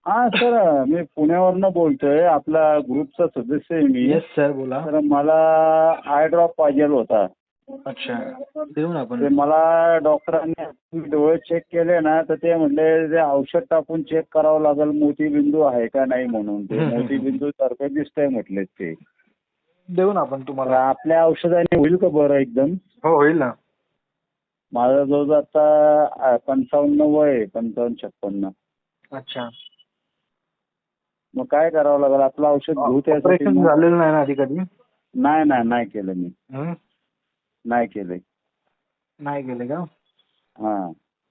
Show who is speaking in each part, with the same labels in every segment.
Speaker 1: हा सर, मी पुण्यावरनं बोलतोय. आपला ग्रुपचा सदस्य आहे मी.
Speaker 2: येस सर, बोला.
Speaker 1: तर मला आय ड्रॉप पाहिजे होता.
Speaker 2: अच्छा, देऊ ना आपण.
Speaker 1: ते मला डॉक्टरांनी डोळे चेक केले ना, तर ते म्हणले ते औषध टाकून चेक करावं लागेल मोतीबिंदू आहे का नाही म्हणून. ते मोतीबिंदू सारखं दिसतंय म्हटले ते.
Speaker 2: देऊ ना आपण
Speaker 1: तर
Speaker 2: तुम्हाला.
Speaker 1: आपल्या औषधाने होईल का बरं एकदम?
Speaker 2: हो, होईल ना.
Speaker 1: माझा जवळ आता 55 वय आहे, 55-56.
Speaker 2: अच्छा,
Speaker 1: मग काय करावं लागेल? आपलं औषध घेऊ त्यासाठी
Speaker 2: ऑपरेशन
Speaker 1: मग?
Speaker 2: झालेलं नाही ना आधी कधी?
Speaker 1: नाही नाही नाही केलं मी.
Speaker 2: हं?
Speaker 1: नाही केलंय.
Speaker 2: नाही गेले का?
Speaker 1: हा.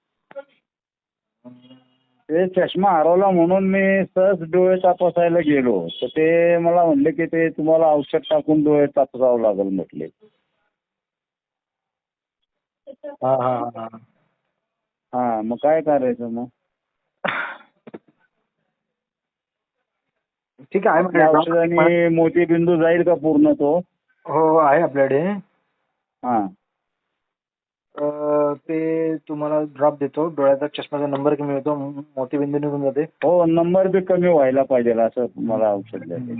Speaker 1: ते चष्मा हरवला म्हणून मी सहज डोळे तपासायला गेलो, तर ते मला म्हणले की ते तुम्हाला औषध टाकून डोळे तपासावं लागेल म्हटले.
Speaker 2: हा हा हा.
Speaker 1: हा, मग काय करायचं मग?
Speaker 2: ठीक आहे.
Speaker 1: आपल्या औषधाने मोतीबिंदू जाईल का पूर्ण तो?
Speaker 2: हो, आहे आपल्याकडे.
Speaker 1: हा.
Speaker 2: ते तुम्हाला ड्रॉप देतो. डोळ्याचा चष्म्याचा नंबर कमी होतो, मोतीबिंदू निघून जाते.
Speaker 1: हो, नंबर बी कमी व्हायला पाहिजे असं मला औषध द्यायचं.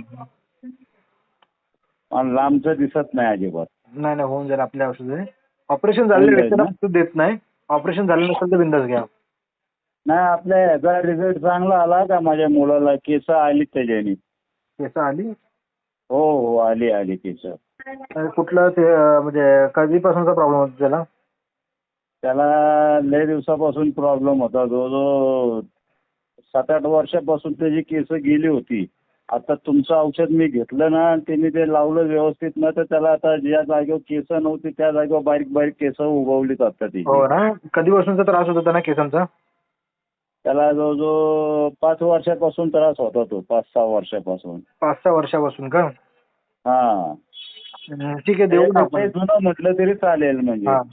Speaker 1: मला लांबचं दिसत नाही अजिबात.
Speaker 2: नाही नाही, होऊन जाईल आपल्या औषध. ऑपरेशन
Speaker 1: होऊन
Speaker 2: झालेल्या
Speaker 1: जाईल
Speaker 2: व्यक्तीला
Speaker 1: ना?
Speaker 2: औषध देत नाही. ऑपरेशन झालं नसेल तर बिंदास घ्या.
Speaker 1: नाही, आपल्या ह्याचा रिझल्ट चांगला आला का? माझ्या मुलाला केस आली त्याच्याने.
Speaker 2: केस आली?
Speaker 1: हो हो, आली आली केस.
Speaker 2: कुठलं ते म्हणजे कधीपासूनचा प्रॉब्लेम होता त्याला?
Speaker 1: त्याला लय दिवसापासून प्रॉब्लेम होता. जवळजवळ 7-8 वर्षापासून त्याची केस गेली होती. आता तुमचं औषध मी घेतलं ना, त्यांनी ते लावलं व्यवस्थित ना, तर त्याला आता ज्या जागेवर केस नव्हती त्या जागेवर बारीक बारीक केस उगवलीत आता त्याची.
Speaker 2: हो ना? कधीपासूनचा त्रास होता त्यांना केसांचा?
Speaker 1: त्याला जवळजवळ 5 वर्षापासून त्रास होता तो. 5-6 वर्षापासून.
Speaker 2: 5-6 वर्षापासून का?
Speaker 1: हा.
Speaker 2: ठीक आहे, देऊ ना आपण.
Speaker 1: जुनं म्हटलं तरी चालेल म्हणजे.
Speaker 2: हा.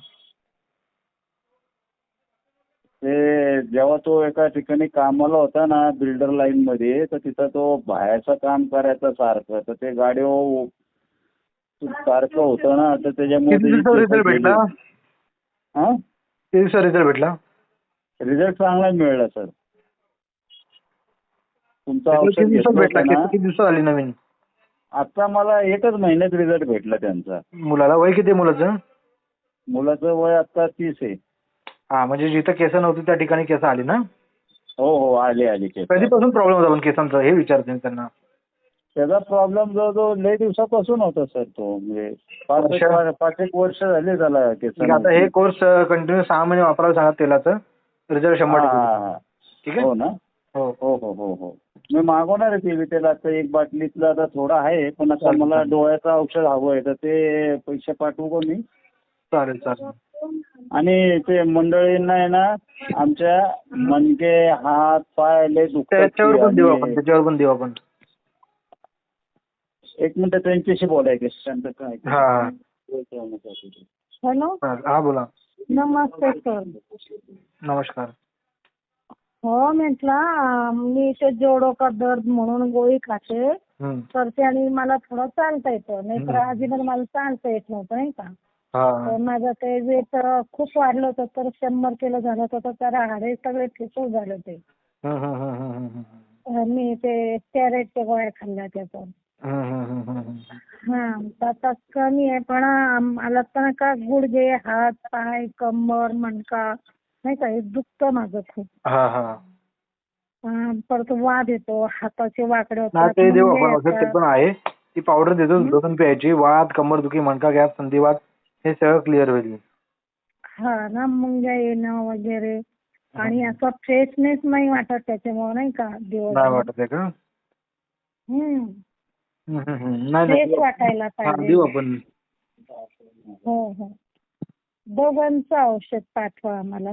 Speaker 1: ते जेव्हा तो एका ठिकाणी कामाला होता ना बिल्डर लाईन मध्ये, तर तिथं तो बाहेरचं काम करायचा सारखं. तर ते गाडीवर सारखं होतं ना, तर त्याच्यामुळे
Speaker 2: किती
Speaker 1: त्याची
Speaker 2: दिवसाचा
Speaker 1: केस
Speaker 2: रिझल्ट भेटला?
Speaker 1: गेली. हा,
Speaker 2: किती दिवसाचा रिझल्ट भेटला?
Speaker 1: रिझल्ट चांगला मिळाला सर. तुमचं
Speaker 2: किती
Speaker 1: औषध
Speaker 2: दिवसात
Speaker 1: घेतलं
Speaker 2: भेटला?
Speaker 1: होतं ना,
Speaker 2: किती दिवसात आली नवीन?
Speaker 1: आता मला 1च महिन्यात रिझल्ट भेटला त्यांचा.
Speaker 2: मुलाला वय किती आहे मुलाचं?
Speaker 1: मुलाचं वय आता 30 आहे.
Speaker 2: हा, म्हणजे जिथं केस नव्हती त्या ठिकाणी केस आली ना?
Speaker 1: हो हो, आली आली केस आली.
Speaker 2: कधीपासून प्रॉब्लेम होता पण केसांचा हे विचारते मी त्यांना.
Speaker 1: त्याचा प्रॉब्लेम जवळजवळ लय दिवसापासून होता सर तो. म्हणजे 5-1 वर्ष झाले त्याला
Speaker 2: ठीक आहे, आता
Speaker 1: केसांना.
Speaker 2: हे कोर्स कंटिन्यू 6 महिने वापरायला सांगा तेलाचं. रिझल्ट 100%
Speaker 1: हा
Speaker 2: भेटेल.
Speaker 1: हा.
Speaker 2: ठीक आहे?
Speaker 1: हो ना?
Speaker 2: हो.
Speaker 1: हो हो हो हो. मी मागवणार आहे ते विटेल. आता 1 बाटलीतलं आता थोडं आहे, पण आता
Speaker 2: चालेल,
Speaker 1: मला
Speaker 2: चालेल.
Speaker 1: डोळ्याचं औषध हवं आहे, तर ते पैसे पाठवू का मी?
Speaker 2: चालेल चालेल.
Speaker 1: आणि ते मंडळींना आहे ना, आमच्या मणके, हात, पाय लय दुखतात
Speaker 2: त्याच्यावर
Speaker 1: की.
Speaker 2: पण देऊ
Speaker 1: आणि
Speaker 2: आपण, त्याच्यावर पण देऊ आपण.
Speaker 1: 1 मिनिट त्यांच्याशी बोलायचं शांत काय.
Speaker 2: हा.
Speaker 3: हॅलो,
Speaker 2: हा, बोला.
Speaker 3: नमस्ते सर.
Speaker 2: नमस्कार.
Speaker 3: हो, म्हटलं मी ते जोडो का दर्द म्हणून गोळी खाते,
Speaker 2: हम्म.
Speaker 3: तर त्याने मला थोडं चालता येतं. नाही तर अजिबात मला चालता येत नव्हतं नाही का.
Speaker 2: हा.
Speaker 3: तर माझं ते वेट खूप वाढलं होतं, तर 100 किलो झालं होतं. तर त्या हाडे सगळे ठिसूळ झाले होते.
Speaker 2: हम्म, हम्म, हम्म, हम्म, हम्म.
Speaker 3: मी ते स्टेरॉइडच्या गोळ्या खाल्ल्या त्याचं.
Speaker 2: हम्म, हम्म, हम्म, हम्म.
Speaker 3: हा, तर आता कमी आहे. पण मला तर का गुडघे, हात, पाय, कंबर, मणका नाही का हे दुखतं माझं खूप.
Speaker 2: हा हा.
Speaker 3: परत वाद येतो, हाताचे वाकडे
Speaker 2: नाही,
Speaker 3: होतात,
Speaker 2: ते देऊ
Speaker 3: मुंगे
Speaker 2: आपण औषध, ते
Speaker 3: येतात.
Speaker 2: पण आहे. ती पावडर देतो, झोपून प्यायची. वात, कंबरदुखी, मणका गॅप, संधिवात हे सगळं क्लिअर होईल.
Speaker 3: हा ना, मुंग्या येणं वगैरे. आणि असं फ्रेशनेस नाही वाटत त्याच्यामुळे नाही का
Speaker 2: नाही
Speaker 3: दिवसभर.
Speaker 2: वाटत आहे का? नाही
Speaker 3: फ्रेश
Speaker 2: नाही,
Speaker 3: वाटायला
Speaker 2: हा,
Speaker 3: पाहिजे.
Speaker 2: देऊ आपण.
Speaker 3: हो हो, दोघांचं औषध पाठवा आम्हाला.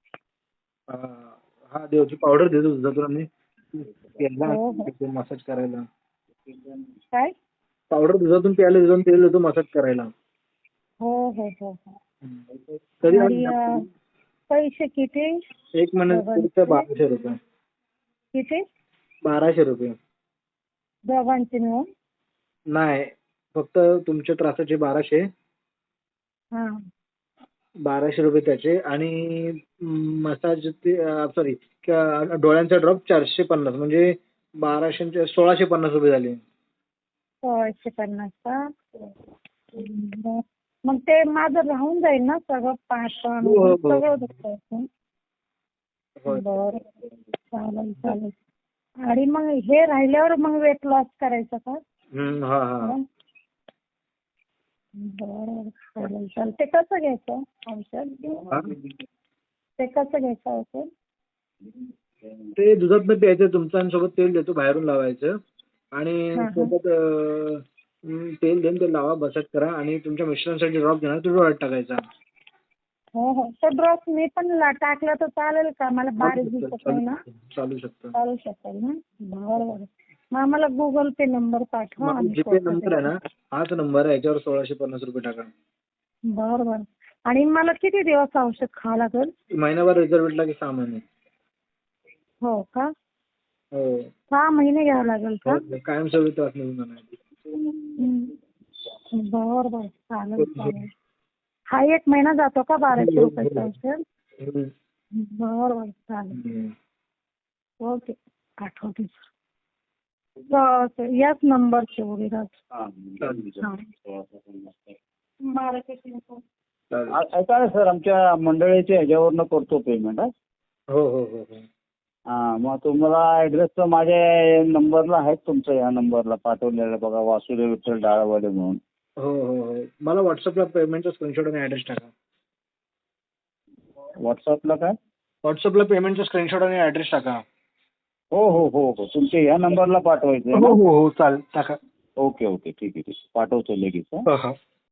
Speaker 2: हा, देवची पावडर देतो तुझ्याकडून आम्ही.
Speaker 3: हो हो.
Speaker 2: मसाज करायला.
Speaker 3: काय?
Speaker 2: पावडर दुधातून प्यायला देतो, तेल देतो मसाज करायला.
Speaker 3: हो हो हो हो.
Speaker 2: कधी
Speaker 3: आणि पैसे किती?
Speaker 2: 1 महिन्याचा 1200 रुपये.
Speaker 3: किती?
Speaker 2: 1200 रुपये.
Speaker 3: दोघांचे मिळून?
Speaker 2: नाही, फक्त तुमच्या त्रासाचे 1200.
Speaker 3: हा.
Speaker 2: 1200 रुपये त्याचे आणि मसाज सॉरी डोळ्यांचा ड्रॉप 450 म्हणजे 1650 रुपये झाले.
Speaker 3: 1650 का? बरं. मग ते माझं राहून जाईल ना सगळं पाठण
Speaker 2: हो, हो.
Speaker 3: सगळं दुखतं?
Speaker 2: होय.
Speaker 3: बरं चालेल चालेल. आणि मग हे राहिल्यावर मग वेट लॉस करायचं का?
Speaker 2: हा हा.
Speaker 3: बरं चालेल चालेल. ते कसं घ्यायचं औषध?
Speaker 2: हा?
Speaker 3: ते कसं घ्यायचं औषध?
Speaker 2: ते दुधात प्यायचं तुमचं आणि सोबत तेल देतो बाहेरून लावायचं आणि
Speaker 3: हा, हा.
Speaker 2: सोबत तेल देऊन ते लावा मसाज करा आणि तुमच्या मिस्टरांसाठी ड्रॉप घेणार तो डोळ्यात टाकायचा.
Speaker 3: हो हो. तो ड्रॉप मी पण टाकला तर चालेल का? मला बारीक दिसत नाही ना.
Speaker 2: चालू शकतं.
Speaker 3: चालू शकेल ना? बरं बरं. मग आम्हाला गुगल पे नंबर पाठवा
Speaker 2: मग
Speaker 3: आम्ही
Speaker 2: जीपे
Speaker 3: करतो
Speaker 2: नंबर आहे
Speaker 3: ते.
Speaker 2: ना, हाच नंबर आहे, याच्यावर 1650 रुपये टाका.
Speaker 3: बरं बरं. आणि मला किती दिवस औषध खावं लागेल?
Speaker 2: महिनाभर रिझर्व भेटला की 6 महिने.
Speaker 3: हो का?
Speaker 2: हो.
Speaker 3: 6 महिने घ्यावं लागेल का?
Speaker 2: कायमस्वरूपी त्रास निघून जाणार.
Speaker 3: बरं बरं. चालेल चालेल. हा 1 महिना जातो का 1200 रुपयाचं औषध? बरं बरं. चालेल. ओके. आठवते. याच नंबरचे उगीराज.
Speaker 1: हा.
Speaker 2: चालेल.
Speaker 1: ऐका ना सर, आमच्या मंडळीच्या ह्याच्यावरनं करतो पेमेंट.
Speaker 2: हो हो हो हो.
Speaker 1: हा, मग तुम्हाला ऍड्रेस तर माझ्या नंबरला आहे, तुमच्या ह्या नंबरला पाठवलेला बघा, वासुदेव विठ्ठल डाळवाडे म्हणून.
Speaker 2: हो हो हो. मला व्हॉट्सअपला पेमेंटचा स्क्रीनशॉट आणि ॲड्रेस टाका.
Speaker 1: व्हॉट्सअपला काय?
Speaker 2: व्हॉट्सअपला पेमेंटचा स्क्रीनशॉट आणि ॲड्रेस टाका.
Speaker 1: हो हो हो हो. तुमच्या ह्या नंबरला पाठवायचं आहे
Speaker 2: हो
Speaker 1: ना?
Speaker 2: हो हो चालेल टाका.
Speaker 1: Okay okay. ठीक आहे ठीक आहे. पाठवतो लगेच.
Speaker 2: हो हो.